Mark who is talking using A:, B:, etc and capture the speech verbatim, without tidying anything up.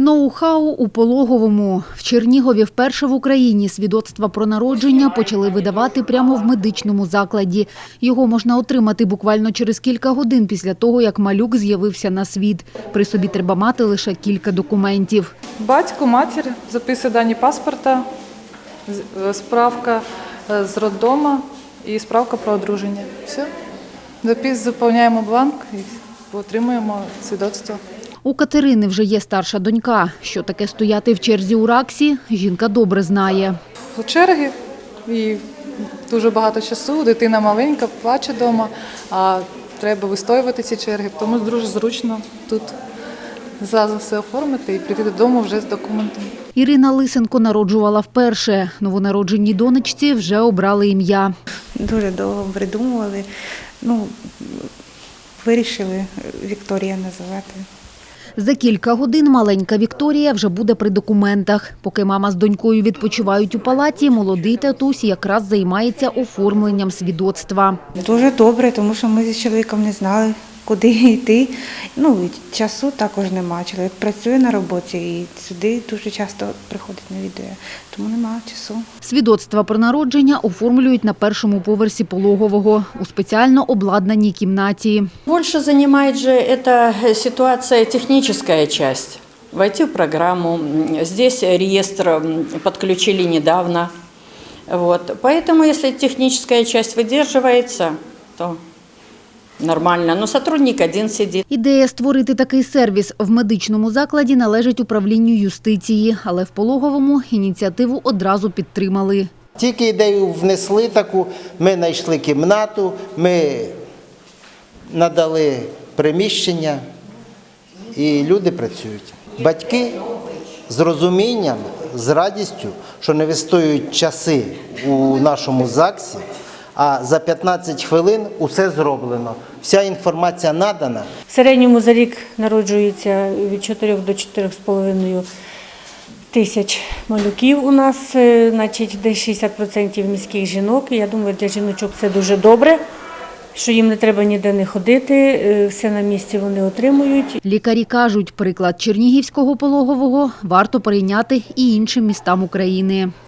A: Ноу-хау у Пологовому. В Чернігові вперше в Україні свідоцтва про народження почали видавати прямо в медичному закладі. Його можна отримати буквально через кілька годин після того, як малюк з'явився на світ. При собі треба мати лише кілька документів.
B: Батько, матір, записи дані паспорта, справка з роддому і справка про одруження. Все. Запис, заповняємо бланк і отримуємо свідоцтво.
A: У Катерини вже є старша донька. Що таке стояти в черзі у РАКСі, жінка добре знає.
B: У черги і дуже багато часу, дитина маленька, плаче вдома, а треба вистоювати ці черги, тому дуже зручно тут зразу все оформити і прийти додому вже з документами.
A: Ірина Лисенко народжувала вперше. Новонародженій донечці вже обрали ім'я.
C: Дуже довго придумували, ну, вирішили Вікторія називати.
A: За кілька годин маленька Вікторія вже буде при документах. Поки мама з донькою відпочивають у палаті, молодий татусь якраз займається оформленням свідоцтва.
C: Дуже добре, тому що ми з чоловіком не знали, куди йти. Ну, і часу також немає. Чоловік працює на роботі і сюди дуже часто приходить, навідує, тому немає часу.
A: Свідоцтва про народження оформлюють на першому поверсі Пологового у спеціально обладнаній кімнаті.
D: Больше занимает же эта ситуация техническая часть. Войти в программу. Здесь реестр подключили недавно. Вот. Поэтому, если техническая часть выдерживается, то нормально. Но сотрудник один сидит.
A: Ідея створити такий сервіс в медичному закладі належить управлінню юстиції, але в Пологовому ініціативу одразу підтримали.
E: Тільки ідею внесли таку, ми знайшли кімнату, ми надали приміщення і люди працюють. Батьки з розумінням, з радістю, що не вистоюють часи у нашому ЗАГСі, а за п'ятнадцять хвилин усе зроблено. Вся інформація надана.
F: В середньому за рік народжується від чотирьох до чотирьох з половиною тисяч малюків у нас, значить десь шістдесят відсотків міських жінок. І я думаю, для жіночок це дуже добре, що їм не треба ніде не ходити, все на місці вони отримують.
A: Лікарі кажуть, приклад Чернігівського Пологового варто перейняти і іншим містам України.